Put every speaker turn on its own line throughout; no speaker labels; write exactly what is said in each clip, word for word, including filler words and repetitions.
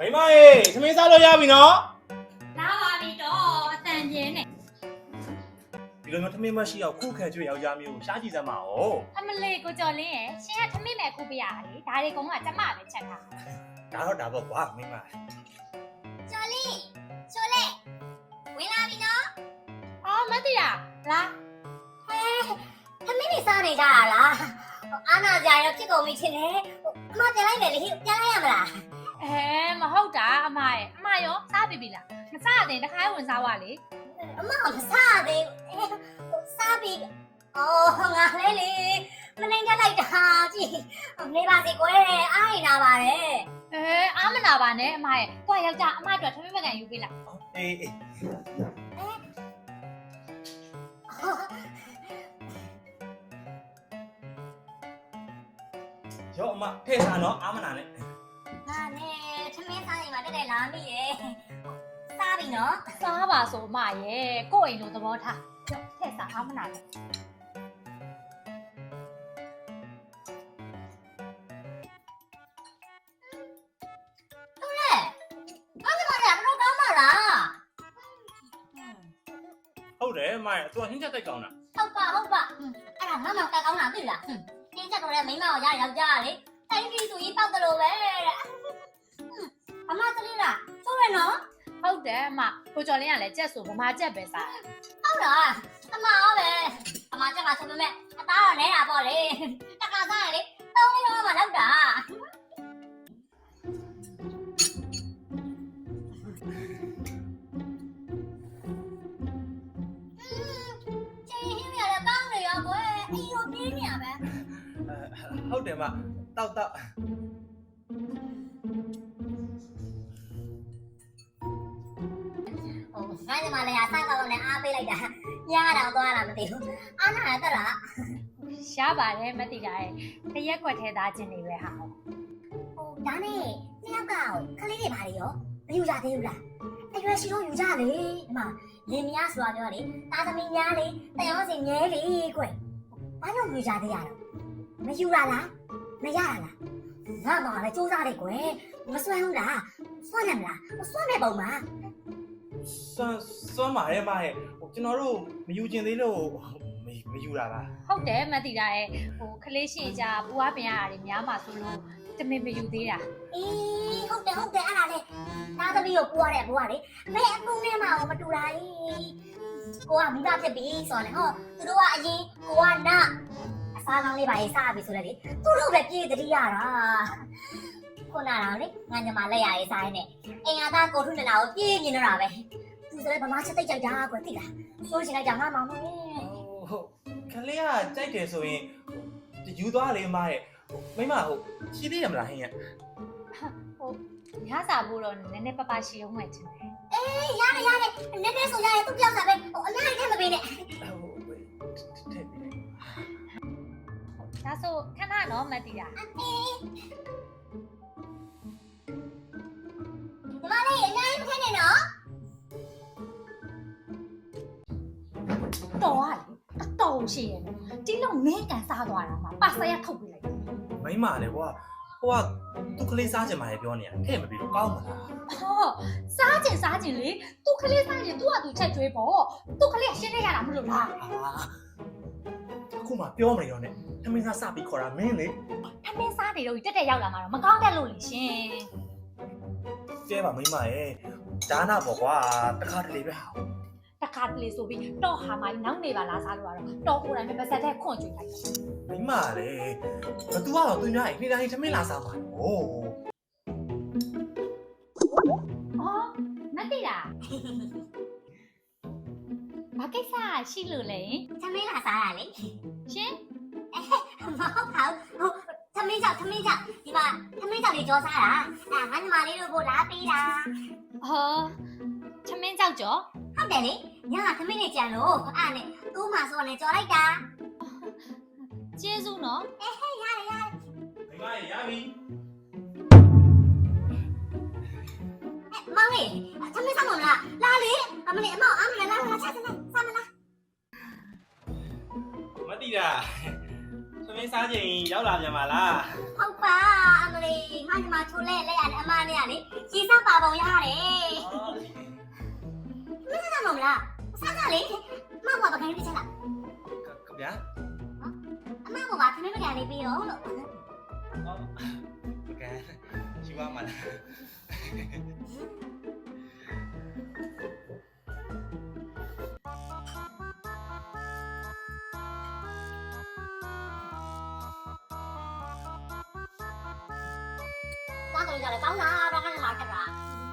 မိမရေသမင်းစားလို့ရပြီနော်
လာပါပြီတော့အတန်ပြင်းနေ
ဒီလိုမျိုးသမင်းမရှိအောင်ခုခံကြွယောက်ျားမျိုးရှားကြည့်စမ်းပါဦး
အမလေးကိုကျော်လင်းရဲ့ရှင်ကသမင်းမဲ့ခုပြရလေဒါတွေကုန်းကကျမပဲချက်ထား
ဒါတော့ဒါပေါ့ကွာမိမ
ကျော်လင်းကျော်လေးဝင်လာပြီနော်
အော်မသိတာလား
ဟဲသမင်းနေစားနေကြတာလားအာနာကြာရောဖြစ်ကုန်ပြီချင်းလေအမပြန်လိုက်မယ်လေပြန်လိုက်ရမလား
အဲမဟုတ်တာအမရဲ့အမရောစားပြီပြီလားမစားတဲ့တခါဝင်စားွားလေ
အမမစားသေးဘူးစားပြီအော်ငါလေးလေမနိုင်ကြလိုက်တာကြည့်နေပါစေကွယ်အားရနာပါတယ်
အဲအားမနာပါနဲ့အမရဲ့ကိုယောက်ျားအမအတွက်သမင်းမကန်ယူပေးလား
အေးအေးရောအမထဲစားနော်အားမနာနဲ့
ဟာနဲ့သမင်းစားရင်မတက်တက်လာမိရဲ့စားပြီနော်
စားပါဆိုအမရဲ့ကိုယ့်အိမ်လိုသဘောထားကြောက်ထဲစားအားမနာနဲ့
ဟုတ်တယ်အမရဲ့သူကဟင်းချက်တိတ်ကောင်းတာ
ဟုတ်ပါဟုတ်ပါအဲ့ဒါငါမှကကောင်းတာသိလားဟင်းချက်တော့လေမိမကိုရယောက်ျားလေတိုင်းပြည်သူကြီးပောက်တယ်လို့ပဲတဲ့အမတလေးလားဆိုရနော်
ဟုတ်တယ်အမကိုကျော်လင်းကလည်းကြက်ဆိုဗမာကြက်ပဲစား
ဟုတ်လားအမရောပဲအမကြက်ကဆိုပေမဲ့အသားတော့နဲတာပေါ့လေတခါစားရင်လေသုံးလေးတော့မှလောက်တာ
ဟုတ်တယ်မတောက်တောက်
ဟိုငါညီမလေးကစားကောင်းနဲ့အားပေးလိုက်တာညတော့သွားလာမသိဘူးအားနာတက်လား
ရှားပါတယ်မသိတာရဲ့တရက်ခွက်ထဲသားခြင်းတွေပဲဟာ
ဟိုဒါနဲ့နှစ်ယောက်ကခလေးတွေဘာတွေရောမယူကြသေးဘူးလားအရွယ်ရှိတော့ယူကြလေဒီမှာလင်မယားဆိုတာပြောလေတာသမီးများလေတယောက်စီငဲလေကွဘာလို့ယူကြသေးရတော့မယူရလားမရလားငါတော့လည်းစူးစမ်းလိုက်ကွယ်မစွမ်းဘူးလားစွမ်းတယ်မလားစွမ်းတဲ့ပုံမှာ
စွမ်းစွမ်းပါရဲ့မရဲ့ဟိုကျွန်တော်တို့မယူကျင်သေးလို့မမယူတာပါ
ဟုတ်တယ်မသိတာရဲ့ဟိုခလေးရှိကြပူဝါပင်ရတာတွေများမှဆိုလို့တမင်မယူသေးတာ
အေးဟုတ်တယ်ဟုတ်တယ်အဲ့ဒါလေတာသမီးကိုပူရတဲ့ဘွားလေမဲအကုန်နဲ့မှမတူတာကြီးကိုကမိဘဖြစ်ပြီဆိုတော့ဟောသူတို့ကအရင်ကိုကနစားကောင်းလေးပါရေးစားပြီဆိုတော့လေသူတို့ပဲပြေးတတိရတာခုနကတော့လေငါညမလက်ရရေးစားရင်းနဲ့အင်္ဂါသားကိုထုနဲ့လာကိုပြေးမြင်တော့တာပဲသူဆိုလည်းဗမာချက်တိတ်ကြိုက်တာကွယ်သိလားဆိုချင်လိုက်ကြငါမောင်မောင်
ဟုတ်ခလေးကကြိုက်တယ်ဆိုရင်ယူသွားလေမရဲ့မိမဟုတ်ရှိသေးရမလားဟင်းရ
ဟုတ်ညစာဖို့တော့နည်းနည်းပပရှိအောင်မှချင်တယ်
အေးရတယ်ရတယ်နည်းနည်းဆိုရရင်သူပြောက်စားပဲဟိုအများကြီးထည့်မပေးနဲ့
ဒါဆိုခဏတော့မသိတာ
အေးဒီမလေးအများကြီးမထည့်နဲ့နော်
တော်ရလေအတော်ရှိရဲ့ဒီလောက်ငဲကန်စားသွားတာမှာပါဆရာထုတ်ပေးလိုက်
မိမလေကွာဟိုကသူကလေးစားချင်ပါလေပြောနေတာထဲ့မပြီးတော့ကောင်းမလား
ဟောစားချင်စားချင်လေသူကလေးစားချင်သူ့ဟာသူချက်ကျွေးပေါ့သူကလေးရှင်းနေရတာမလို့လား
အခုမှပြောမနေတော့နဲ့ထမင်းစားစပြီးခေါ်တာမင်းလေ
ထမင်းစားနေတော့တက်တက်ရောက်လာမှာတော့မကောင်းတတ်လို့လေရှင်
ကျဲပါမိမရဲ့ဒါနာပေါ့ကွာတခါတလေပဲဟာ
တခါတလေဆိုပြီးတော့ဟာမိုင်းနောက်နေပါလားစားလို့ရတော့တော့ကိုယ်တိုင်ပဲပါစက်တဲ့ခွန့်ကျွေးလိုက်
မိမလေဘသူကတော့သူများအိမ်တိုင်းထမင်းလာစားမှာဟိုး
အော်မသိတာဘာကိစ္စရှိလို့လဲ
သမီးလာစားရလေ
ရှင်
မဟုတ်ပါဘူးသမီးကြောင့်သမီးကြောင့်ဒီမှာသမီးကြောင့်လေကြောစားတာအဲငါညီမလေးတို့ကိုလာပေးတာ
ဟောသမင်းကြောက်ကြော
ဟုတ်တယ်လေညကသမီးနေကြံလို့အဲ့နဲ့သူ့မှာဆိုလည်းကြော်လိုက်တာ
ကျေးဇူးနော်
အေးဟဲ့ရတယ်ရတယ်
မိမရပြီ
မောင်လေးသမီးစားမလားလာလေအမလေးအမောင်အမလေးလာလာချက်စမ်းစမ်းမလား
မတိတာထသမင်းစားချိန်ရောက်လာပြန်ပါလား
ဟုတ်ပါအမလေးငါညီမချိုးလဲလက်ရတယ်အမနဲ့ကလေကြီးစားပါပုံရတယ်မင်းစားမလားစားကြလေမမဘာခိုင်းပြချင်လား
ခင်ဗျာ
အမကဘာခဏမကန်လေးပြီးရောလို့
အော်ပကံရှိပါမလား
သွားကြလို့ကြတယ်ကောင်းလားဘာကလည်းလာတက်တာ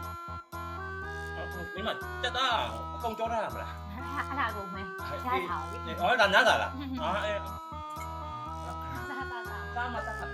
မင်းမတက်တာအကုန်ကြောထားရမလား
အဲ့ဒါကိုမဲရထားလေ
အော်ဒါနားတာလားအာအဲ
စားစားစား
စားမတက်တာ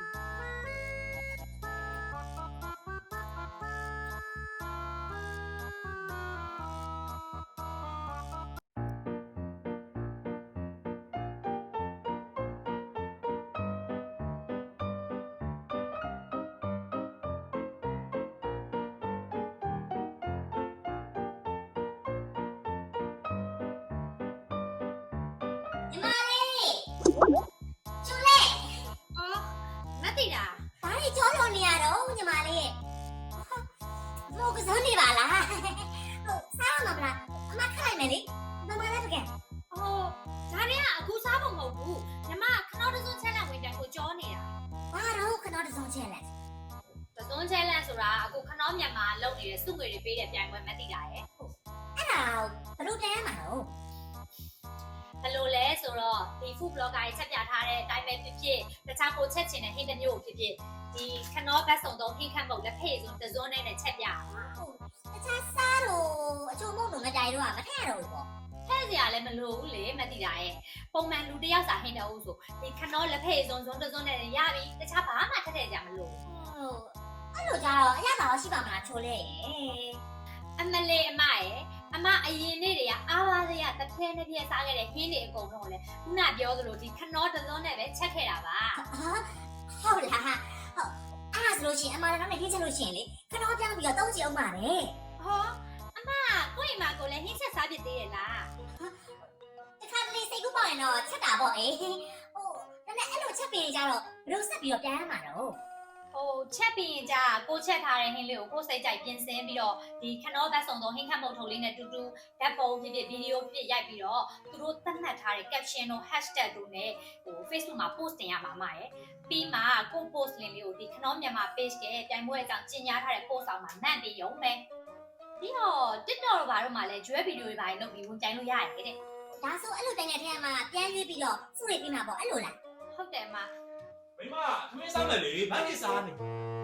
ညီမလေးချိုးလဲ
အော်မသိတာ
ဘာလို့ကြောလို့နေရတော့ညီမလေးမို့ကစားနေပါလားဟုတ်စားမှာမလားအမခိုင်းမယ်လေမမလည်းတကယ်
အော်ဒါတွေကအခုစားဖို့မဟုတ်ဘူးညီမခဏတစုံချက်လက်ဝင်တယ်ကိုကြောနေတာ
ဘာတော့ခဏတစုံချက်လဲ
တစုံချက်လက်ဆိုတာအခုခဏမြန်မာလုပ်နေတဲ့စုငွေတွေပေးတဲ့ပြိုင်ပွဲမသိတာရဲ့
အဲ့ဒါဘလို့တဲမှာတော့
ဘယ်လိုလဲဆိုတော့ဒီ food blogger တွေချက်ပြထားတဲ့အတိုင်းပဲဖြစ်ဖြစ်တခြားကိုချက်ချင်တဲ့ဟင်းတစ်မျိုးကိုဖြစ်ဖြစ်ဒီခဏဘတ်စုံတော့ဟင်းခန့်ပုတ်လက်ဖေးစုံတစုံနဲ့ချက်ပြ
ဟုတ်တခြားစားတော့အချို့မုံတို့မတိုင်တော့မထရတော့ဘူးပေါ့
ဖဲ့စရာလည်းမလိုဘူးလေမသိတာရဲ့ပုံမှန်လူတစ်ယောက်စာဟင်းတဲ့ဦးဆိုဒီခဏလက်ဖေးစုံစုံတစုံနဲ့ရပြီတခြားဘာမှထက်ထည့်ကြမလို့
ဟုတ်အဲ့လိုကြတော့အရသာရောရှိပါမလားချိုးလဲ
အမလေးအမရဲ့အမအရင်နေ့တွေကအားပါစရာတစ်ဖက်တစ်ဖက်စားခဲ့တဲ့ဟင်းတွေအကုန်လုံးလေခုနပြောသလိုဒီခဏတစုံနဲ့ပဲချက်ခဲ့တာပါ
ဟာဟုတ်လားဟုတ်အဲ့ဒါဆိုလို့ရှိရင်အမလည်းတော့နေခင်းချက်လို့ရှိရင်လေခဏပြောင်းပြီးတော့တုံးချအောင်ပါလေ
ဟောအမကိုယ့်အိမ်မှာကိုလည်းဟင်းချက်စားဖြစ်သေးရဲ့လား
တခါတလေစိတ်ကူးပေါ့ရင်တော့ချက်တာပေါ့အေးဟိုဒါနဲ့အဲ့လိုချက်ပြီးကြတော့ဘယ်လိုဆက်ပြီးတော့ပြန်ရမှာတော့
ဟိုချက်ပြီးရင်ကြာကိုချက်ထားတဲ့ဟင်းလေးကိုကိုစိတ်ကြိုက်ပြင်ဆင်ပြီးတော့ဒီခဏဘတ်စုံတော့ဟင်းခတ်မုတ်ထုံလေးနဲ့တူတူဓာတ်ပုံဖြစ်ဖြစ်ဗီဒီယိုဖြစ်ဖြစ်ရိုက်ပြီးတော့သူတို့သတ်မှတ်ထားတဲ့ caption တို့ hashtag တို့နဲ့ဟို Facebook မှာ post တင်ရမှာမှာရယ်ပြီးမှကို post link လေးကိုဒီခဏမြန်မာ page ကပြိုင်ပွဲအကြောင်းကြီးညာထားတဲ့ post အောင်မှာမှန်ပြီးရုံပဲပြီးတော့ TikTok တို့ဘာတို့မှလည်း ကျွဲဗီဒီယိုတွေပါလုပ်ပြီးဝင်ကြိုင်လို့ရတယ်တဲ့
ဒါဆိုအဲ့လိုတိုင်တဲ့ထဲမှာပြန်ရွေးပြီးတော့စုရိပ်ပြီးမှာပေါ့အဲ့လိုလား
ဟုတ်တယ်အမ
မိမသမင်းစားမယ်လေဘာဖြစ်စားနေ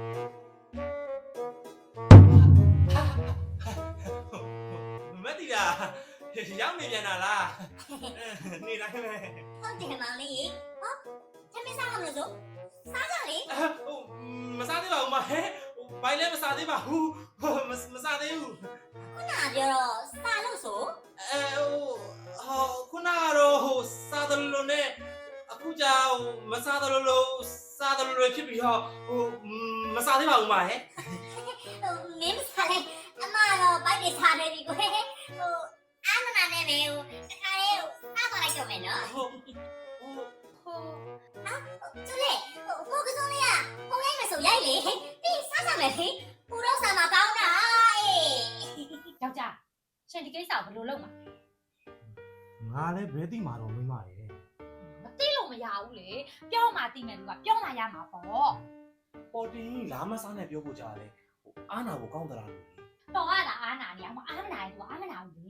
မတိတာရောက်နေပြန်တာလားနေတိုင်းပဲ
ဟုတ်တယ်မောင်လေးဟောသမီးစားမလို့ဆိုစားကြလေ
ဟိုမစားသေးပါဘူးမဟဲဟိုဘိုင်လည်းမစားသေးပါဘူးမစားသေးဘူး
ခုနကပြောတော့စားလို့ဆို
အဲဟိုဟိုခုနကတော့ဟိုစားတယ်လို့နဲ့အခုကြောင်မစားတယ်လို့စားတယ်လို့ဖြစ်ပြီးတော့ဟိုမစားသေးပါဘူးမဟဲ
ဟိုမင်းစားလေအမတော့ဘိုက်နေစားတယ်ဒီကိုဟိုအာမနာနဲ့ပဲဟိုတခါလေးဟိုစားသွားလိုက်တော့မယ်နော်
ဟို
ဟို
ကျလေဟိုကိုကစုံလေးကပုံရိုက်မယ်ဆိုရိုက်လေပြီးစားကြမယ်လေပူတော့စားမှာကောင်းတာအေး
ယောက်ျားရှင်ဒီကိစ္စကိုဘယ်လိုလုပ်မှာ
ငါလည်းဘယ်သိမှာတော့မိမရဲ့
မသိလို့မရဘူးလေပြောမှသိမယ်လူကပြောမှရမှာပေါ့
ပေါ်တင်လာမစားနဲ့ပြောဖို့ကြားလေဟိုအားနာဖို့ကောင်းသလားလို့
တော်ကလာအားနာနေအောင်အားမနာရင်သူအားမနာဘူးလေ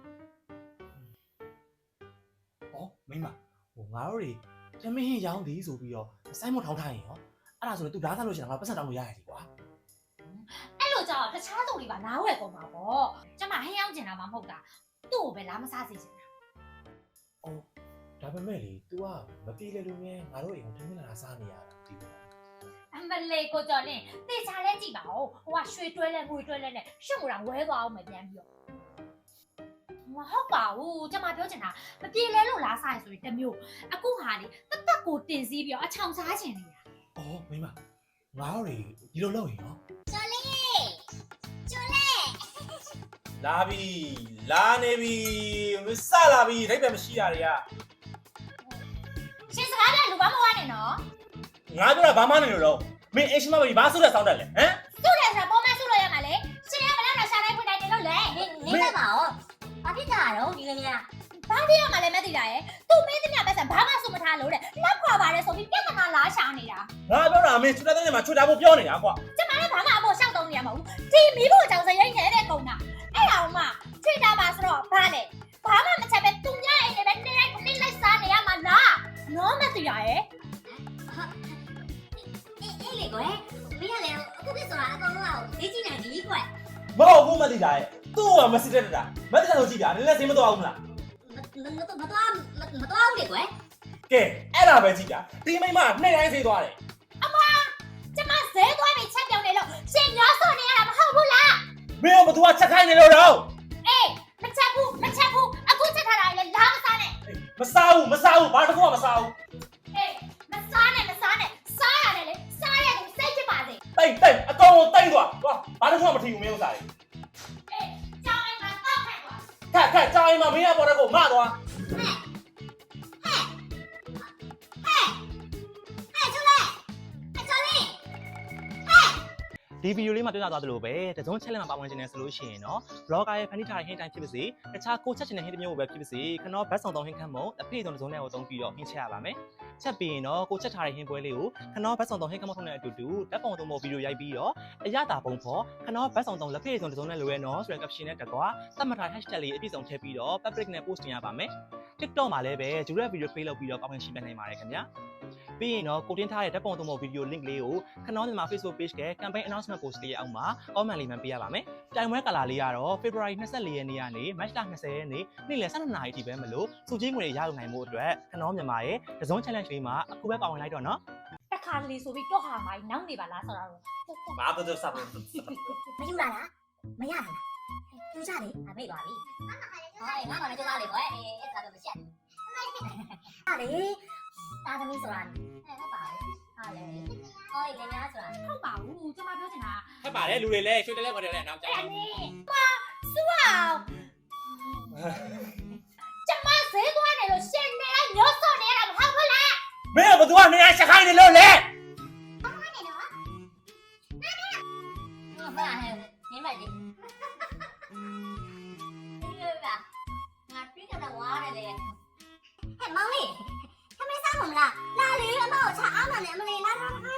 ဟောမိမဟိုငါတို့တွေတမင်းရောင်းသည်ဆိုပြီးတော့စိုင်းမထောင်းထားရင်ရောအဲ့ဒါဆိုရင် तू ဓာတ်သားလို့ရှိရင်ငါပတ်စံတောင်းလို့ရတယ်ကွာ
အဲ့လိုကြောင့်တခြားသူတွေပါနားဝယ်ကုန်ပါပေါ့ကျမဟင်းရောက်ကျင်တာမှမဟုတ်တာသူ့ကိုပဲလာမစားစေချင်တာ
အော်ဒါပေမဲ့လေ तू ကမပြေလေလို့မြဲငါတို့အိမ်ကိုထမင်းလာစားနေရတာဒီလို
အမလေးကိုကြော်လင်းတေချာလဲကြည့်ပါဦးဟိုကရွှေတွဲလဲငွေတွဲလဲနဲ့ရှုပ်မလားဝဲသွားအောင်မပြန်ပြီးတော့မဟုတ်ပါဘူးကျမပြောချင်တာမပြေလဲလို့လားစားရဆိုရင်တစ်မျိုးအခုဟာလေတသက်ကိုတင်စည်းပြီးတော့အချောင်စားချင်နေတာ
အော်မိမငါတို့တွေဒီလိုလုပ်ရင်ရော
ကျော်လေးကျော်လေး
လာပြီလာနေပြီမစလာပြီထိုက်ပဲမရှိတာတွေက
ရှင်စကားလည်းလူကဘာမှဝါနေနော်
ငါပြောတာဘာမှမနေလို့တော့မင်းအရှင်မပဲဘာဆုတဲ့စောင်းတက်လဲဟမ်
သူ့လည်းဆိုတော့ပုံမှန်ဆုလို့ရမှာလေရှင်ရမလားတော့ရှာတိုင်းဖွင့်တိုင်းတင်လို့လေ
နေနေလိုက်ပါဦးဘာဖြစ်ကြတာတော့ဒီကနေ့က
ဘာဖြစ်ရမှာလဲမသိတာရဲ့သူမင်းသမီးပဲဆက်ဘာမှဆုမထားလို့တဲ့နောက်ခွာပါတယ်ဆိုပြီးပြဿနာလားရှာနေတာ
ငါပြောတာမင်းချွတ်တဲ့တဲ့မှာချွတ်တာဖို့ပြောနေတာကွာ
ကျမလည်းဘာမှအဖို့ရှောက်တုံးနေရမှာဘူးဒီမီးဖို့ကြောင့်စရိတ်နေတဲ့ကုန်းတာအဲ့ဒါမှချွေတာပါဆိုတော့ဘာလဲဘာမှမချက်ပဲသူများအိမ်နဲ့ပဲနေလိုက်နေလိုက်စားနေရမှာလားနော်မသိတာရဲ့
အေးအေးလေကွယ်မင်းကလည်းအခုပြဆိုတာအကောင်လုံးကဈေးကြီးနေပြီကွယ်
မဟုတ်ဘူးမသိတာရဲ့သူ့ကမစစ်တဲ့တာမသိတာလို့ကြည့်ပြနည်းနည်းစိတ်မတော့ဘူးမလား
မမမမသွားမသွားဘူးလေကွယ်
ကဲအဲ့ဒါပဲကြည့်ပြဒီမိမနှစ်တိုင်းသေးသွားတယ်
ကျမဇဲသွားပြီးချက်ပြောင်းနေလို့ရှင်ညောဆော့နေရတာမဟုတ်ဘူးလား
မင်းကဘသူကချက်ခိုင်းနေလို့တော့
အေးမချက်ဘူးမချက်ဘူးအခုချက်ထားတာလေလာမစားနဲ့
မစားဘူးမစားဘူးဘာတစ်ခုမှမစားဘူး
အေးမစားနဲ့မစားနဲ့စားရတယ်လေစားရသူစိတ်ဖြစ်ပါစေ
တိတ်တိတ်အကောင်ကိုတိတ်သွားသွားဘာတစ်ခုမှမထီဘူးမင်းဥစားလေ
အေးကြောင်းအိမ်မှာတောက်ခတ်သွား
ခက်ခက်ကြောင်အိမ်မှာမင်းကပေါ်တဲ့ကိုမသွား
ဒီဗီဒီယိုလေးမှာပြောပြသွားသလိုပဲတစုံ challenge မှာပါဝင်ခြင်းနဲ့ဆိုလို့ရှိရင်เนาะ blogger ရဲ့ဖန်တီးထားတဲ့ hint တိုင်းဖြစ်ပါစေတခြားကိုချက်ချင်တဲ့ hint မျိုးပဲဖြစ်ပါစေခနောဘတ်ဆောင်သုံး hint ခန့်မို့အဖေဆုံးတစုံနဲ့ကိုသုံးပြီးတော့ hint ချက်ရပါမယ်ချက်ပြီးရင်တော့ကိုချက်ထားတဲ့ hint ပွဲလေးကိုခနောဘတ်ဆောင်သုံး hint ခန့်မို့ထုံးတဲ့အတူတူတက်ပုံသုံးဖို့ဗီဒီယိုရိုက်ပြီးတော့အရတာပုံဖော်ခနောဘတ်ဆောင်သုံးလက်ဖေဆုံးတစုံနဲ့လိုရဲနော်ဆိုတဲ့ caption နဲ့တကွာသတ်မှတ်ထား hashtag လေးအပြည့်စုံထည့်ပြီးတော့ public နဲ့ post တင်ရပါမယ် TikTok မှာလည်းပဲဂျူရက်ဗီဒီယို play လုပ်ပြီးတော့ကောင်းကောင်းရှင်းပြနိုင်ပါတယ်ခင်ဗျာပြီးရင်တော့ကိုတင်ထားတဲ့ဓာတ်ပုံသုံးဖို့ဗီဒီယို link လေးကိုခနောမြန်မာ Facebook page က campaign announcement post လေးအောက်မှာ comment လေးမှပေးရပါမယ်။တိုင်ဝဲကာလာလေးကတော့ February နှစ်ရက်နေ့ရက်နေ့ကနေ March ၂၀ရက်နေ့နေ့လယ် ၁၂နာရီထိပဲမလို့စုချင်းငွေတွေရယူနိုင်မှုအတွက်ခနောမြန်မာရဲ့တစုံ challenge လေးမှာအခုပဲပါဝင်လိုက်တော့နော်
တခါလေဆိုပြီးတော့ဟာမိုင်းနောက်နေပါလားဆိုတော့
ဘာလို့တော့စားဘူး
မယူလာလားမရလားကျူးကြလေအမေ့ပါပြီဟောငါမှလည်းကျူးလာလေကွယ်အေးအဲ့ဒါတော့မချက်ဟာလေတာသမီးဆိုတာအဲ့ဟုတ်ပါဘူးဟာလေဟောလေညာဆိုတာ
ဟုတ်ပါဘူးကျမပြောချင်တာ
ဟဲ့ပါလေလူတွေလည်းရွှေတလဲခေါ်တယ်လည်းနောက်ကြ
အဲ့နေပါစူအောင်ကျမဇဲသွားနေလို့ရှင်နေလိုက်ညောဆော့နေရတာမဟုတ်ဘူးလား
မင်းကဘသူကနေရာချက်ခိုင်းနေလို့လေ
ဟုတ်ပါဟဲ့နင်းမလေးဒီလိုပါငါပြေးကြတော့ဝါရတယ်လေဟဲ့မောင်လေးခမေးစားမလားလာလေအမေကိုချအားမနဲ့အမလေးလာလာလာ